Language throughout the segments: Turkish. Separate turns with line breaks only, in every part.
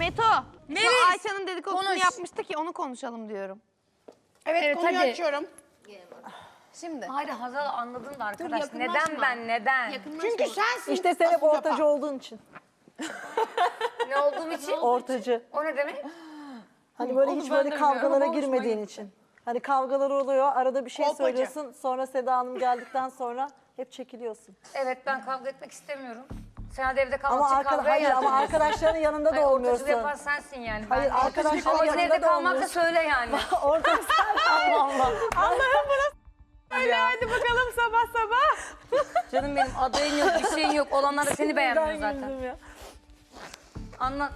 Meto.
Melis,
Şu Ayça'nın dedikodusunu
konuş.
yapmıştı ki onu konuşalım diyorum.
Evet, konuyu
hadi.
açıyorum.
Şimdi.
Hayır Hazal anladın da arkadaş.
yakınlaşma.
Neden ben neden?
Çünkü sensin.
İşte sen hep
asıl
ortacı
yapan.
olduğun için.
Ne olduğum için?
Ortacı.
O ne demek?
Hani böyle hiç böyle kavgalara girmediğin için. Hani kavgalar oluyor, arada bir şey
Kolpacı.
söylüyorsun. Sonra Seda Hanım geldikten sonra hep çekiliyorsun.
Evet ben kavga etmek istemiyorum. Sen hadi evde kalmak
Ama,
için kavgaya
hayır, ama
geldin.
arkadaşların yanında da
Hayır,
olmuyorsun.
ortacılığı yapan sensin yani.
Hayır, arkadaşların
Ama
yanında
evde
da
kalmak da
olmuyorsun.
söyle yani.
Orada sen Allah Allah.
Öyle hadi bakalım sabah sabah.
Canım benim adayın yok, bir şeyin yok. Olanlar da seni beğenmiyor zaten.
Ya.
Anlat.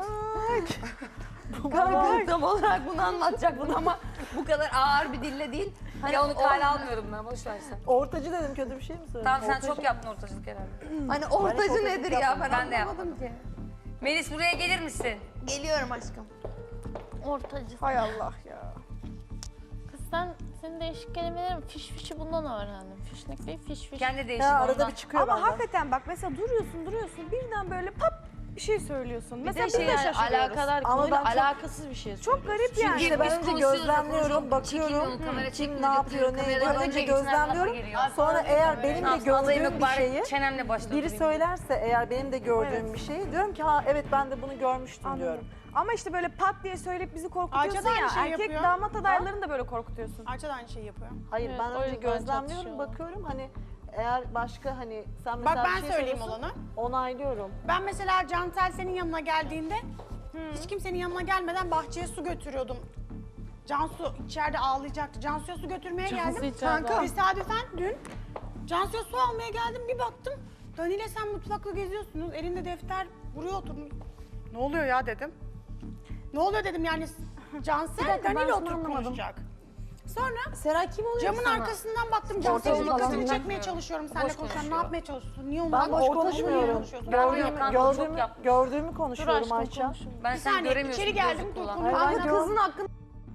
Kanka tam olarak bunu anlatacaktın ama bu kadar ağır bir dille değil. Hani
Ya onu kale almıyorum ben, boş ver sen.
Ortacı dedim, kötü bir şey mi söyledim?
Tamam sen
Ortacı.
çok yaptın ortacılık herhalde.
Hani ortacı nedir ya
Ben de yapmadım ki. Melis buraya gelir misin?
Geliyorum aşkım.
Ortacı.
Hay Allah ya.
Kız senin değişik kelimelerin fişi bundan öğrendim. Fişnik değil fiş.
Kendi değişik
Ya arada
ondan.
bir çıkıyor
Ama
benden.
hakikaten bak mesela duruyorsun birden böyle pap bir şey söylüyorsun. Mesela biz de
yani
şaşırıyoruz.
alakadar
Ama
konuyla
ben çok-
alakasız bir şey
Çok garip yani.
İşte ben
Biz
önce
konuşuyoruz,
gözlemliyorum,
konuşuyoruz,
bakıyorum.
çekilmiyor, kamera
Kim
çekmiyor,
ne yapıyor, ne
kameradan
ediyor.
önce
Önce
ikisine lafa
gözlemliyorum.
geliyor.
Sonra eğer benim de
Tamam, ağlayayım
gördüğüm
yok,
bir
bari
şeyi
çenemle başla
biri
durayım.
söylerse, eğer benim de gördüğüm bir şeyi diyorum ki ha evet ben de bunu görmüştüm diyorum.
Ama işte böyle pat diye söyleyip bizi korkutuyorsun
Ayça da aynı
ya.
şeyi
Erkek
yapıyor.
damat adaylarını da böyle korkutuyorsun.
Ayça da aynı şeyi yapıyor.
Hayır
Evet,
ben
o
önce
yüzden
gözlemliyorum,
çatışıyorlar.
bakıyorum hani eğer başka hani sen
Bak
mesela
ben
bir şey
söyleyeyim
söylüyorsun,
olanı.
onaylıyorum.
Ben mesela Cantel senin yanına geldiğinde hiç kimsenin yanına gelmeden bahçeye su götürüyordum. Cansu içeride ağlayacaktı. Cansu'ya su götürmeye geldim.
içeride
Tesadüfen dün Cansu'ya su almaya geldim, bir baktım. Dani ile sen mutfakta geziyorsunuz. Elinde defter buraya oturdun. Ne oluyor ya dedim. Ne oluyor dedim yani Cansel Dani ile oturup konuşacak. Sonra
Seray kim oluyor
camın
sana?
arkasından baktım Cansel'in
olmak
dikkatini
için
çekmeye çalışıyorum. Seninle konuşuyorum. Ne
konuşuyor.
yapmaya çalışıyorsun? Niye onu
Ben boş konuşmuyorum.
konuşuyorsun?
Gördüğümü,
kanka, çok
gördüğümü,
yapmış.
gördüğümü
Dur
konuşuyorum
aşkım
Ayça.
konuşun.
Ben
Bir
sen
saniye,
göremiyorsun.
içeri geldim,
gözlük
dur,
kullan.
konuş.
Hayır, ben
Ama
gör-
kızın hakkında...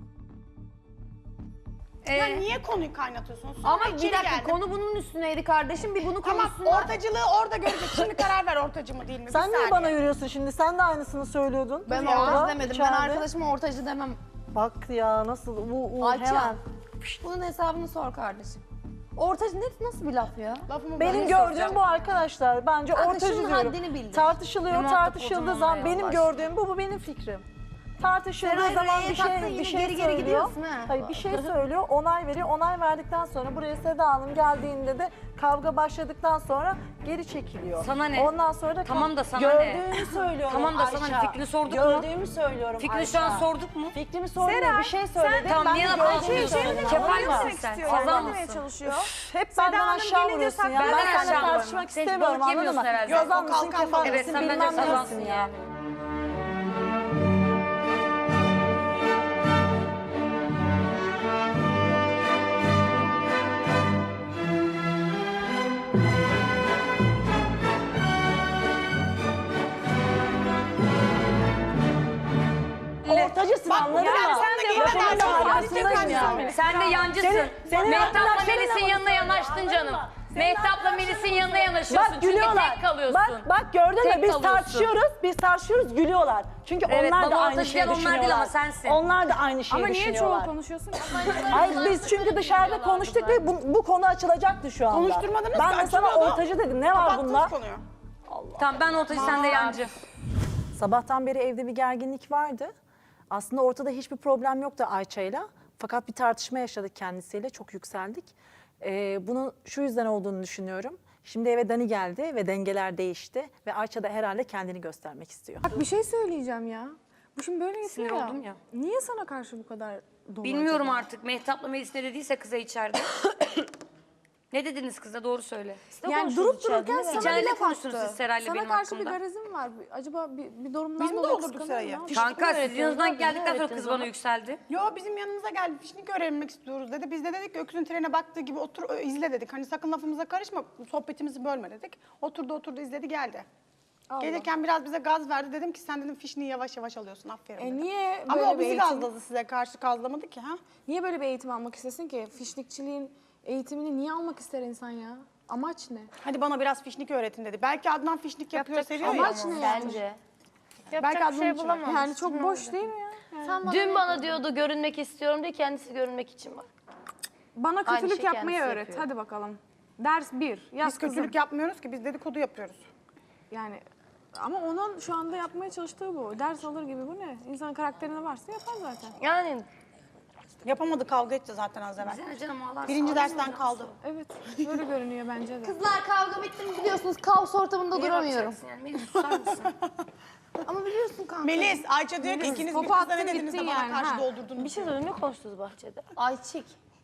Ya niye konuyu kaynatıyorsun? Sonra
Ama bir
içeri
dakika
geldim.
konu bunun üstüneydi kardeşim. Bir bunu
Tamam
konuşsunlar.
ortacılığı orada görecek. Şimdi karar ver ortacı mı değil mi?
Sen
Bir
niye
saniye.
bana yürüyorsun şimdi? Sen de aynısını söylüyordun.
Ben
Ya,
ortacı demedim. Ben
içeride.
arkadaşıma ortacı demem.
Bak ya nasıl
Ayça.
hemen.
Bunun hesabını sor kardeşim. Ortacı nasıl bir laf ya?
Lafımı
Benim
bölme.
gördüğüm bu arkadaşlar. Bence
Kanka
ortacı
şunun
diyorum.
haddini bildir.
Tartışılıyor,
Ne muhatap
tartışıldığı
olacağım
zaman
onunla
benim
ya,
gördüğüm bu benim fikrim. Tartışıldığı
Seray
zaman
R'ye
bir
taktın,
şey
yine
bir şey
geri geri
söylüyor.
gidiyorsun ha.
Hayır bir şey söylüyor, onay veriyor. Onay verdikten sonra buraya Seda Hanım geldiğinde de kavga başladıktan sonra geri çekiliyor.
Sana ne?
Ondan sonra da
Tamam da sana ne?
gördüğümü söylüyorum
Tamam da sana
Ayşa.
fikrini sorduk mu?
Gördüğümü söylüyorum
Fikrini
Ayşa.
şu an sorduk mu?
Fikrimi sormuyor, bir şey söyledi.
Tamam
ben
niye
de
laf
gördüğümü
atmıyorsun?
söyledim.
Kefal
Anladın mı?
misin sen?
istiyor,
Azal
demeye
mısın?
çalışıyor.
Hep benden
Hanım
aşağı
gelince
vuruyorsun ya.
saklan-
Ben
Benden
seninle
aşağı
tartışmak
vurma. Sen
istemiyorum
balık
anladın
yemiyorsun
mı?
herhalde.
Yozan
Yok,
mısın,
kalkan
kefal
balık.
Evet
mısın
sen bence
bilmem ne
sazansın
misin ya.
yani.
Ortacısın anladın mı?
sen de
Lafımın
gel, sen de
arkasındayım
gel.
yani.
Sen de yancısın.
senin
Mehtap'la
arkadaşların
Melis'in yanına yanaştın canım. Mehtap'la Melis'in yanına yanaşıyorsun.
Bak
Çünkü
gülüyorlar.
tek kalıyorsun.
Bak gördün mü
Tek
biz
kalıyorsun.
tartışıyoruz gülüyorlar. Çünkü
Evet,
onlar da
baba
aynı
ortacı
şeyi
diyen onlar
düşünüyorlar.
değil ama sensin.
Onlar da aynı şeyi
Ama niye
düşünüyorlar.
çoğu konuşuyorsun?
Hayır biz çünkü dışarıda konuştuk ve bu konu açılacaktı şu anda.
Konuşturmadınız
Ben
ki,
de sana
açılıyordu.
ortacı dedim. Ne var
Kapattınız
bunda?
konuyu.
Tamam ben ortacı sen de yancı.
Sabahtan beri evde bir gerginlik vardı. Aslında ortada hiçbir problem yoktu Ayça'yla. Fakat bir tartışma yaşadık kendisiyle, çok yükseldik. Bunun şu yüzden olduğunu düşünüyorum. Şimdi eve Dani geldi ve dengeler değişti. Ve Ayça da herhalde kendini göstermek istiyor.
Bak bir şey söyleyeceğim ya. Bu şimdi böyle yapıyor
Sinir
ya.
oldum ya.
Niye sana karşı bu kadar dolu
Bilmiyorum
acaba?
artık. Mehtap'la Melis ne dediyse kıza içeride. Ne dediniz kıza doğru söyle.
Yani durup dururken sana
İçeride
bir
ne
laf
konuştunuz
attı.
siz Seray'la
Sana
benim
karşı
hakkımda?
bir garezim var. Acaba bir durumdan
Biz mi
dolayı
doldurduk
kıskanıyor
Seray'ı?
mu?
Kanka sizin yanınızdan geldikten sonra kız bana yükseldi.
Yo bizim yanımıza geldi. Fişnik öğrenmek istiyoruz dedi. Biz de dedik ki öküzün trene baktığı gibi otur izle dedik. Hani sakın lafımıza karışma, sohbetimizi bölme dedik. Oturdu izledi geldi. Gelirken biraz bize gaz verdi. Dedim ki sen dedim fişniği yavaş yavaş alıyorsun. Aferin dedim.
Niye
Ama
böyle
o
bir
bizi
eğitim,
gazladı, size karşı gazlamadı ki ha.
niye böyle bir eğitim almak istesin ki? Fişnikçiliğin eğitimini niye almak ister insan ya? Amaç ne?
Hadi bana biraz fişnik öğretin dedi. Belki Adnan fişnik yapıyor, seviyor ya.
Amaç ne yani?
Bence.
Yapacak
Belki
bir şey
aklım için.
bulamamışsın.
Yani çok boş değil mi ya?
Sen bana
Dün bana diyordu görünmek istiyorum diye, kendisi görünmek için var.
Bana
Aynı
kötülük
şey
yapmayı
kendisi
öğret.
yapıyor.
Hadi bakalım. Ders 1. Yaz
Biz kötülük
kızım.
yapmıyoruz ki biz dedikodu yapıyoruz.
Yani ama onun şu anda yapmaya çalıştığı bu. Ders alır gibi bu ne? İnsan karakterine varsa yapar zaten.
Yani
Yapamadı, kavga etti zaten az evvel.
Güzel canım ağlar.
Birinci dersten kaldı.
Evet. Böyle görünüyor bence de.
Kızlar kavga bitti mi biliyorsunuz kaos ortamında duramıyorum.
Yani Melis susar mısın?
Ama biliyorsun kanka.
Melis, Ayça diyor ki ikiniz bir
topu
kızla
attın
ne dediniz de
gittin
bana
yani,
karşı
ha.
doldurdunuz.
bir şey söyleyeyim, ne konuştunuz bahçede?
Ayçik.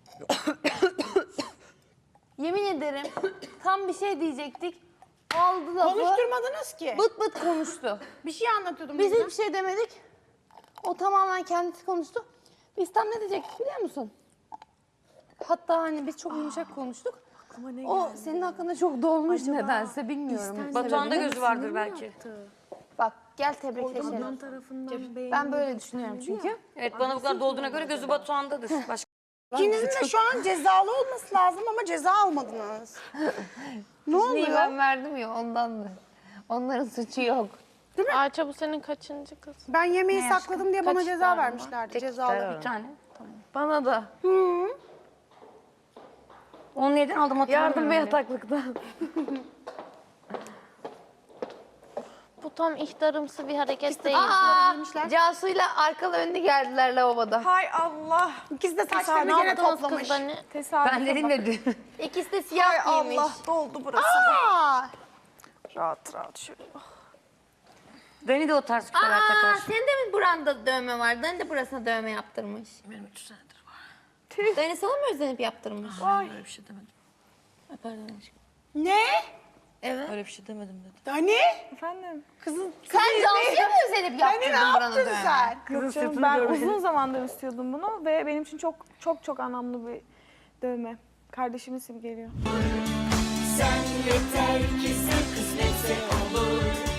Yemin ederim tam bir şey diyecektik. Aldı lafı.
Konuşturmadınız ki.
Bıt bıt konuştu.
Bir şey anlatıyordum.
Biz
bize.
hiçbir şey demedik. O tamamen kendisi konuştu. Biz tam ne diyecektik biliyor musun? Hatta hani biz çok yumuşak konuştuk. O senin hakkında çok dolmuş nedense bilmiyorum.
Batuhan'da gözü vardır belki.
Bak gel tebrikleşelim. Ben böyle düşünüyorum çünkü.
Evet, bana bu kadar dolduğuna göre gözü Batuhan'dadır. Başka
İkinizin de şu an cezalı olması lazım ama ceza almadınız. Ne oluyor?
Ben verdim ya ondan da. Onların suçu yok.
Ayça bu senin kaçıncı kız?
Ben yemeği sakladım diye bana
Kaç
ceza
tane var?
vermişlerdi. Cezalı.
bir tane.
Bana da.
Onu neden aldım hatırlamıyorum.
Yardım ve
bile.
yataklıktan.
Bu tam ihtarımsı bir hareket değil.
Cansu'yla arkalı önlü geldiler lavaboda.
Hay Allah.
İkisi de
Ne
saçlarını gene
yaptınız
toplamış.
kızlar ne?
Tesadüf.
Ben dedim de dün.
İkisi de siyah giymiş.
doldu burası.
Aa,
Rahat rahat şöyle.
Dani de o tarz küpeler takar.
Senin de mi buranda dövme var? Dani de burasına dövme yaptırmış.
Benim 3 senedir var.
Dani sana mı özenip yaptırmış?
Öyle bir şey demedim.
ne?
Öyle bir şey demedim dedi.
Dani?
Efendim?
Kızın
Sen Cansu'ya mı özenip
Dani ne
yaptırdın buranın
yaptın
dövme?
sen?
Yok canım, ben uzun zamandır istiyordum bunu ve benim için çok anlamlı bir dövme. Kardeşimi simgeliyor.
Sen yeter ki sen kısmetse olur.